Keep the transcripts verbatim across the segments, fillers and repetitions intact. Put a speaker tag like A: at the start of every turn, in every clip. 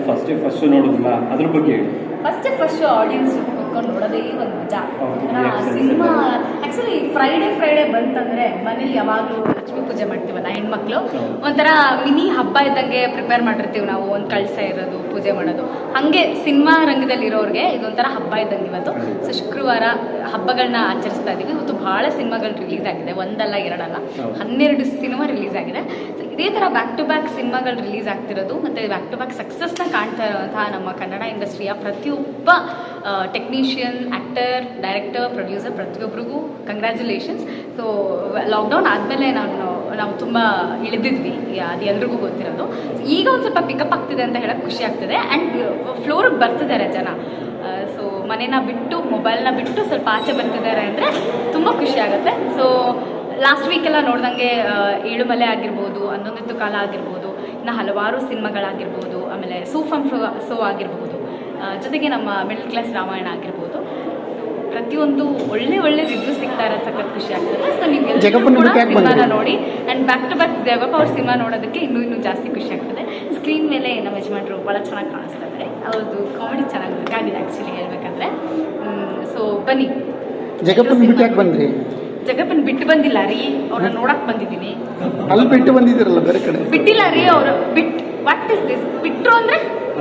A: First first ನೋಡೋದಿಲ್ಲ ಅದ್ರ ಬಗ್ಗೆ ಹೇಳಿ.
B: ಫಸ್ಟ್ ಫಸ್ಟ್ ಆಡಿಯನ್ಸ್ ಕುತ್ಕೊಂಡು ನೋಡೋದೇ ಒಂದು ಮಜಾ. ಸಿನಿಮಾ ಆ್ಯಕ್ಚುಲಿ ಫ್ರೈಡೇ ಫ್ರೈಡೇ ಬಂತಂದರೆ ಮನೇಲಿ ಯಾವಾಗಲೂ ಲಕ್ಷ್ಮೀ ಪೂಜೆ ಮಾಡ್ತೀವಲ್ಲ ಹೆಣ್ಮಕ್ಳು, ಒಂಥರ ಮಿನಿ ಹಬ್ಬ ಇದ್ದಂಗೆ ಪ್ರಿಪೇರ್ ಮಾಡಿರ್ತೀವಿ ನಾವು. ಒಂದು ಕಳಸ ಇರೋದು, ಪೂಜೆ ಮಾಡೋದು, ಹಾಗೆ ಸಿನಿಮಾ ರಂಗದಲ್ಲಿರೋರಿಗೆ ಇದೊಂಥರ ಹಬ್ಬ ಇದ್ದಂಗೆ ಇವತ್ತು. ಸೊ ಶುಕ್ರವಾರ ಹಬ್ಬಗಳನ್ನ ಆಚರಿಸ್ತಾ ಇದ್ದೀವಿ. ಇವತ್ತು ಭಾಳ ಸಿನಿಮಾಗಳು ರಿಲೀಸ್ ಆಗಿದೆ, ಒಂದಲ್ಲ ಎರಡಲ್ಲ, ಹನ್ನೆರಡು ಸಿನಿಮಾ ರಿಲೀಸ್ ಆಗಿದೆ. ಸೊ ಇದೇ ಥರ ಬ್ಯಾಕ್ ಟು ಬ್ಯಾಕ್ ಸಿನಿಮಾಗಳು ರಿಲೀಸ್ ಆಗ್ತಿರೋದು ಮತ್ತು ಬ್ಯಾಕ್ ಟು ಬ್ಯಾಕ್ ಸಕ್ಸಸ್ನ ಕಾಣ್ತಾ ಇರುವಂತಹ ನಮ್ಮ ಕನ್ನಡ ಇಂಡಸ್ಟ್ರಿಯ ಪ್ರತಿಯೊಬ್ಬ ಟೆಕ್ನಿಷಿಯನ್, ಆ್ಯಕ್ಟರ್, ಡೈರೆಕ್ಟರ್, ಪ್ರೊಡ್ಯೂಸರ್ ಪ್ರತಿಯೊಬ್ಬರಿಗೂ ಕಂಗ್ರ್ಯಾಚುಲೇಷನ್ಸ್. ಸೊ ಲಾಕ್ಡೌನ್ ಆದಮೇಲೆ ನಾನು ನಾವು ತುಂಬ ಇಳಿದಿದ್ವಿ, ಅದು ಎಲ್ರಿಗೂ ಗೊತ್ತಿರೋದು. ಈಗ ಒಂದು ಸ್ವಲ್ಪ ಪಿಕಪ್ ಆಗ್ತಿದೆ ಅಂತ ಹೇಳೋಕ್ಕೆ ಖುಷಿ ಆಗ್ತಿದೆ. ಆ್ಯಂಡ್ ಫ್ಲೋರಿಗೆ ಬರ್ತಿದ್ದಾರೆ ಜನ. ಸೊ ಮನೇನ ಬಿಟ್ಟು, ಮೊಬೈಲ್ನ ಬಿಟ್ಟು ಸ್ವಲ್ಪ ಆಚೆ ಬರ್ತಿದ್ದಾರೆ ಅಂದರೆ ತುಂಬ ಖುಷಿ ಆಗುತ್ತೆ. ಸೊ ಲಾಸ್ಟ್ ವೀಕೆಲ್ಲ ನೋಡ್ದಂಗೆ ಏಳುಮಲೆ ಆಗಿರ್ಬೋದು, ಹನ್ನೊಂದಿತ್ತು ಕಾಲ ಆಗಿರ್ಬೋದು, ಇನ್ನು ಹಲವಾರು ಸಿನಿಮಾಗಳಾಗಿರ್ಬೋದು, ಆಮೇಲೆ ಸೂಫಮ್ ಶೋ ಶೋ ಆಗಿರ್ಬೋದು, ಜೊತೆಗೆ ನಮ್ಮ ಮಿಡಲ್ ಕ್ಲಾಸ್ ರಾಮಾಯಣ ಆಗಿರ್ಬೋದು, ಪ್ರತಿಯೊಂದು ಒಳ್ಳೆ ಒಳ್ಳೆ ರಿವ್ಯೂ ಸಿಗ್ತಾ ಇರೋ ಸಖತ್ ಖುಷಿ ಆಗ್ತದೆ. ಸೊ ನೀವು ಸಿನಿಮಾನ ನೋಡಿ and back to back Jagappa ಅವ್ರ ಸಿನಿಮಾ ನೋಡೋದಕ್ಕೆ ಇನ್ನೂ ಇನ್ನೂ ಜಾಸ್ತಿ ಖುಷಿ ಆಗ್ತದೆ. ಸ್ಕ್ರೀನ್ ಮೇಲೆ ನಮ್ಮ ಯಜಮಾನರು ಭಾಳ ಚೆನ್ನಾಗಿ ಕಾಣಿಸ್ತಾ ಇದ್ದಾರೆ. ಅವ್ರದ್ದು ಕಾಮಿಡಿ ಚೆನ್ನಾಗಿ ಬೇಕಾಗಿದೆ ಆ್ಯಕ್ಚುಲಿ ಹೇಳ್ಬೇಕಂದ್ರೆ. ಸೊ ಬನ್ನಿ.
C: ಜಗಪ್ಪನ ಬಿಟ್ಟು ಯಾಕೆ ಬಂದ್ರಿ?
B: ಜಗಪ್ಪನ್ ಬಿಟ್ಟು ಬಂದಿಲ್ಲ ರೀ, ಅವ್ರನ್ನ ನೋಡಕ್ ಬಂದಿದ್ದೀನಿ.
C: ಅಲ್ಲಿ ಬಿಟ್ಟು ಬಂದಿದ್ದೀರಲ್ಲ ಬೇರೆ ಕಡೆ? ಬಿಟ್ಟಿಲ್ಲ
B: ರೀ, ಅವರು ಬಿಟ್ ವಾಟ್ ಇಸ್ ದಿಸ್? ಬಿಟ್ರು ಅಂದ್ರೆ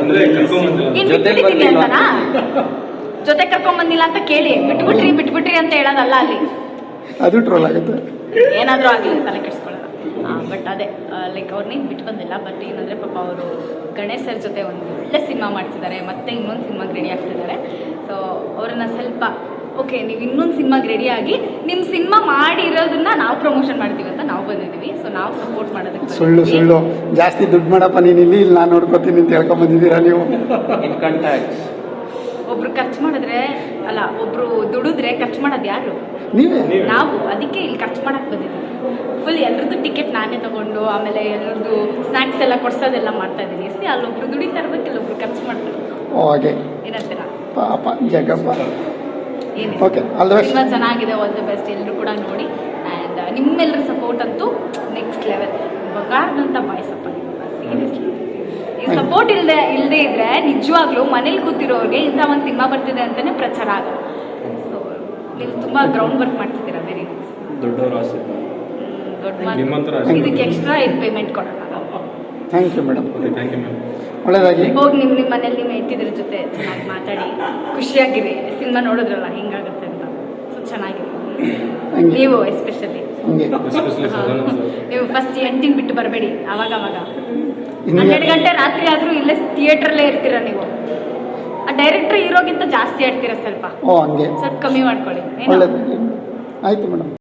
B: ಏನ್ ಬಿಟ್ಟಿದ್ದೀನಿ ಅಂತನಾ? ಜೊತೆ ಕರ್ಕೊಂಡ್ ಬಂದಿಲ್ಲ ಅಂತ ಕೇಳಿ ಬಿಟ್ಬಿಟ್ರಿ ಬಿಟ್ಬಿಟ್ರಿ ಅಂತ ಹೇಳೋದಲ್ಲ ಅಲ್ಲಿ.
C: ಅದು ಟ್ರೋಲ್ ಆಗುತ್ತೆ.
B: ಏನಾದ್ರೂ ಆಗಲಿ ತಲೆ ಕೆಡಿಸ್ಕೊಳ್ಳೋಣ. ಬಟ್ ಅದೇ ಲೈಕ್ ಅವ್ರನ್ನೇನು ಬಿಟ್ಟು ಬಂದಿಲ್ಲ. ಬಟ್ ಏನಂದ್ರೆ ಪಾಪ ಅವರು ಗಣೇಶ್ ಸರ್ ಜೊತೆ ಒಂದು ಒಳ್ಳೆ ಸಿನಿಮಾ ಮಾಡ್ತಿದ್ದಾರೆ, ಮತ್ತೆ ಇನ್ನೊಂದು ಸಿನಿಮಾಗೆ ರೆಡಿ ಆಗ್ತಿದ್ದಾರೆ. ಸೊ ಅವ್ರನ್ನ ಸ್ವಲ್ಪ ಓಕೆ, ನೀವು ಇನ್ನೊಂದು ಸಿನಿಮಾಗೆ ರೆಡಿಯಾಗಿ ನಿಮ್ಮ ಸಿನಿಮಾ ಮಾಡಿರೋದನ್ನ ನಾವು ಪ್ರಮೋಷನ್ ಮಾಡ್ತೀವಿ ಅಂತ ನಾವು ಬಂದಿದ್ದೀವಿ. ಸೊ ನಾವು ಸಪೋರ್ಟ್ ಮಾಡೋದಕ್ಕೆ.
C: ಸುಳ್ಳು ಸುಳ್ಳು ಜಾಸ್ತಿ ದುಡ್ಡು ಮಾಡಪ್ಪ ನೀನು ಇಲ್ಲಿ ಇಲ್ಲಿ ನಾನು ನೋಡ್ಕೋತೀನಿ ಅಂತ ಹೇಳ್ಕೊಂಡ್ ಬಂದಿದ್ದೀರಾ ನೀವು?
A: ಇನ್ಕಮ್ ಟ್ಯಾಕ್ಸ್
B: ಒಬ್ರು ಖರ್ಚು ಮಾಡಿದ್ರೆ ಅಲ್ಲ, ಒಬ್ರು ದುಡಿದ್ರೆ ಖರ್ಚು ಮಾಡೋದು ಯಾರು?
C: ನೀವೇ.
B: ನಾವು ಅದಕ್ಕೆ ಇಲ್ಲಿ ಖರ್ಚು ಮಾಡಕ್ಕೆ ಬಂದಿದ್ದೀವಿ. ಫುಲ್ ಎಲ್ಲರದ್ದು ಟಿಕೆಟ್ ನಾನೇ ತಗೊಂಡು, ಆಮೇಲೆ ಎಲ್ಲರದ್ದು ಸ್ನ್ಯಾಕ್ಸ್ ಎಲ್ಲ ಕೊಡ್ಸೋದೆಲ್ಲ ಮಾಡ್ತಾ ಇದ್ದೀನಿ. ಸಿ ಅಲ್ಲೊಬ್ರು ದುಡಿತಾ ಇರ್ಬೇಕು, ಇಲ್ಲೊಬ್ರು ಖರ್ಚು ಮಾಡ್ತಾರೆ.
C: ಓಕೆ,
B: ಏನಂತೀರಾ?
C: ಪಾಪ ಜಗಪ್ಪ.
B: ಏನಿದೆ,
C: ಓಕೆ, ಆಲ್ ದಿ ಬೆಸ್ಟ್.
B: ತುಂಬ ಚೆನ್ನಾಗಿದೆ, ಆಲ್ ದಿ ಬೆಸ್ಟ್. ಎಲ್ಲರೂ ಕೂಡ ನೋಡಿ. ಆ್ಯಂಡ್ ನಿಮ್ಮೆಲ್ಲರ ಸಪೋರ್ಟ್ ಅಂತೂ ನೆಕ್ಸ್ಟ್ ಲೆವೆಲ್. ಬಗಾರ್ದಂತ ಬಾಯ್ಸಪ್ಪ ಸೀರಿಯಸ್ಲಿ. ಈ ಸಪೋರ್ಟ್ ಇಲ್ಲದೆ ಇಲ್ಲದೆ ಇದ್ರೆ ನಿಜವಾಗ್ಲೂ ಮನೇಲಿ ಕೂತಿರೋರಿಗೆ ಇಂಥ ಒಂದು ಸಿನಿಮಾ ಬರ್ತಿದೆ ಅಂತಲೇ ಪ್ರಚಾರ ಆಗಲ್ಲ. ಸೊ ನೀವು ತುಂಬ ಗ್ರೌಂಡ್ ವರ್ಕ್ ಮಾಡ್ತಿದ್ದೀರಾ. ವೆರಿ
A: ದೊಡ್ಡವರು ಆಸೆ
B: ದೊಡ್ಡ ಇದಕ್ಕೆ ಎಕ್ಸ್ಟ್ರಾ ಏನು ಪೇಮೆಂಟ್ ಕೊಡೋಣ.
C: Thank you madam.
A: Thank you ma'am.
B: ಒಳ್ಳೆಯದಾಗಿ ಹೋಗಿ ನಿಮ್ಮ ನಿಮ್ಮ ಮನೇಲಿ ನಿಮ್ಮ ಹೆಂಡತಿದ್ರ ಜೊತೆ ಚೆನ್ನಾಗಿ ಮಾತಾಡಿ ಖುಷಿಯಾಗಿರಿ. ಸಿನಿಮಾ ನೋಡಿದ್ರಲ್ಲ ಹೆಂಗಾಗುತ್ತೆ ಅಂತ. ಸೊ ಚೆನ್ನಾಗಿರಿ ನೀವು ಎಸ್ಪೆಷಲಿ. ನೀವು ಫಸ್ಟ್ ಹೆಂಡತಿನ ಬಿಟ್ಟು ಬರಬೇಡಿ. ಆವಾಗ ಅವಾಗ ಹನ್ನೆರಡು ಗಂಟೆ ರಾತ್ರಿ ಆದರೂ ಇಲ್ಲೇ ಥಿಯೇಟ್ರಲ್ಲೇ ಇರ್ತೀರ ನೀವು. ಆ ಡೈರೆಕ್ಟರ್ ಹೀರೋಗಿಂತ ಜಾಸ್ತಿ ಆಡ್ತೀರ. ಸ್ವಲ್ಪ
C: ಓ ಹಂಗೆ
B: ಸ್ವಲ್ಪ ಕಮ್ಮಿ ಮಾಡ್ಕೊಳ್ಳಿ.
C: ಒಳ್ಳೆಯದು. ಆಯಿತು ಮೇಡಮ್.